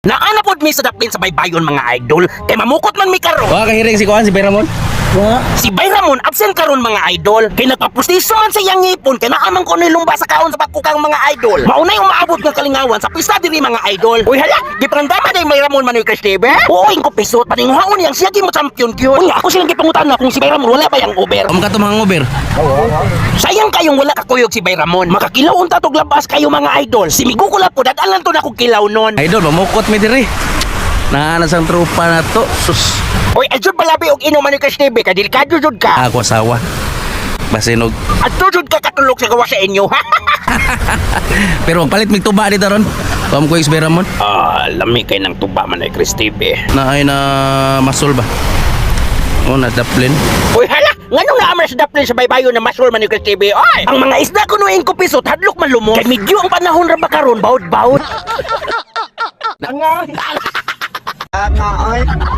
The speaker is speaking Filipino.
Naana pod mi sa daplin sa baybayon mga idol. Kay mamukot man mi karon. Wa kahiring si Kuan si Bayramon. Si Bayramon absent karon mga idol. Kay nagpapustiso man sa iyang ngipon kay naamang ko ni lumba sa kaon sa pagkukang mga idol. Maunay umaabot ng kalingawan sa pista diri mga idol. Uy hala, giprandama day Bayramon man ni Cristebe. Oo, ingko pisot paninguhaon yang siya mo champion gyud. Unya ako silang gipangutan kung si Bayramon wala ba yang Uber. Amo ka to mga Uber. Sayang kayong wala kakuyog si Bayramon. Makakilaw unta tog labas kayo mga idol. Si Migo ko po dadalan to na kog kilaw nun. Idol, mamukot mi diri. Naanas ang trupa na to. Sus. Uy, adjud palabi og inuman ni Cristebe kay delikado jud ka. Ako asawa. Basinog. Adjud jud ka katulog sa gawa sa inyo. Pero palit mig tuba dito ron. Pam ko si Bayramon. Lami kay nang tuba man ay Cristebe. Naay na masol ba? O na daplin. Uy, hala! Nganong naamar sa daplin sa baybayon na masol man ni Cristebe? Ay! Ang mga isda ko noong kupisot, hadlok man lumos. Kay medyo ang panahon ra ba karon, bawd-bawd. Nga, oy.